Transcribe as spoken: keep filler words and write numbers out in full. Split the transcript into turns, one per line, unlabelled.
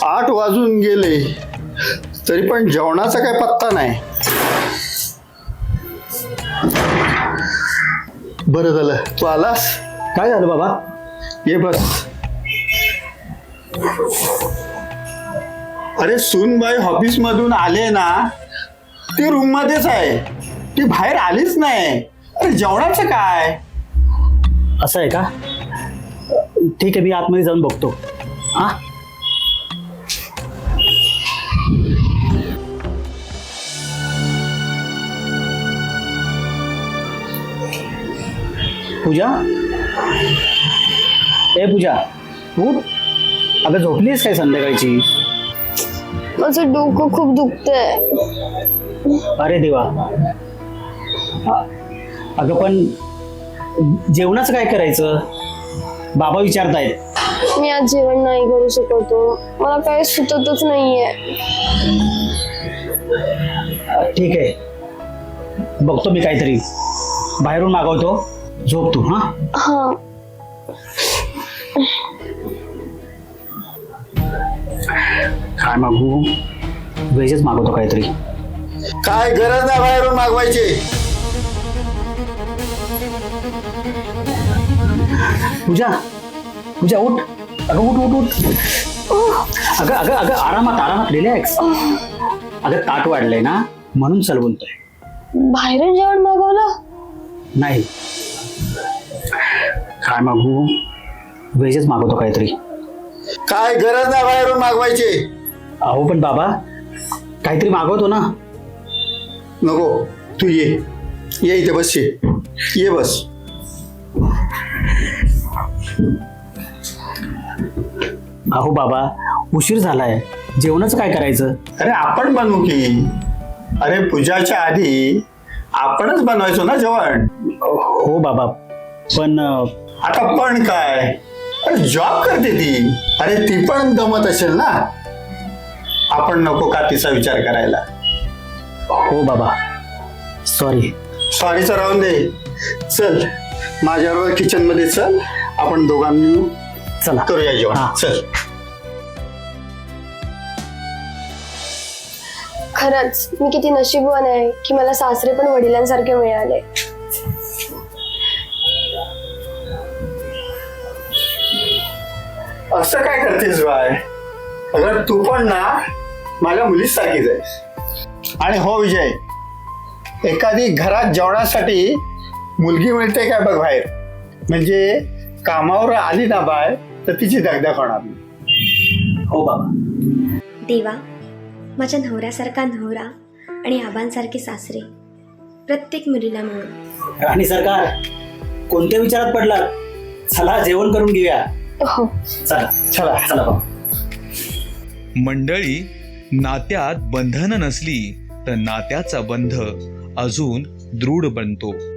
आठ वाजून गेले तरी पण जेवणाचा काही पत्ता नाही. बरं झालं तू आलास.
काय झालं बाबा?
ये बस. अरे सूनबाई ऑफिस मधून आले ना, ती रूम मध्येच आहे, ती बाहेर आलीच नाही. अरे जेवणाचं काय?
असं आहे का? ठीक आहे, मी आतमध्ये जाऊन बघतो. हा पूजा, ए पूजा, उठ. अगं झोपलीस काय संध्याकाळची?
माझं डोकं खूप दुखतंय.
अरे देवा. अगं पण जेवणाचं काय करायचं? बाबा विचारतायत.
मी आज जेवण नाही करू शकतो, मला काही सुचतच नाहीये.
ठीक आहे, बघतो मी काहीतरी बाहेरून मागवतो. झोप तू. हा
हा.
काय मागू? व्हेजच मागवतो काहीतरी.
काय गरज नाही बाहेरून मागवायची.
पूजा, पूजा उठ. अगं उठ उठ उठ. अगं अगं अगं आरामात आरामात रिलॅक्स. अगं ताट वाढलंय ना, म्हणून चल बोलतोय.
बाहेरून जेवण मागवलं?
नाही. काय मागू? व्हेजच मागवतो काहीतरी.
काय गरज नाही बाहेरून मागवायची.
अहो पण बाबा काहीतरी मागवतो ना.
नको, तू ये ये इथे बस. ये ये बस.
अहो बाबा उशीर झालाय, जेवणाचं काय करायचं?
अरे आपण बनवू की. अरे पूजाच्या आधी आपणच बनवायचो ना जेवण.
हो बाबा, पण
आता पण काय, अरे जॉब करते ती. अरे ती पण दमत असेल ना. आपण नको का तिचा विचार करायला?
हो बाबा, सॉरी.
सॉरीचं राहून दे. चल माझ्याबरोबर किचन मध्ये चल, आपण दोघांनी
चला
करूया जेवण.
हा.
चल.
खरंच मी किती नशीबवान आहे की मला सासरे पण वडिलांसारखे मिळाले.
असं काय करतेस बाय? अगर तू पण ना माझ्या मुलीच सारखीच आहेस. आणि हो विजय, एखादी घरात जेवणासाठी मुलगी मिळते काय बघ बाहेर. म्हणजे कामावर आली ना बाय तर तिची दगदग होणार नाही.
हो बाबा.
देवा, माझ्या नवऱ्यासारखा नवरा आणि आबांसारखे सासरे प्रत्येक मुलीला मिळो.
आणि सरकार कोणत्या विचारात पडला? चला जेवण करून घेऊया.
हो.
चला चला चला बाबा.
मंडळी, नात्यात बंधन नसली तर नात्याचा बंध अजून दृढ बनतो.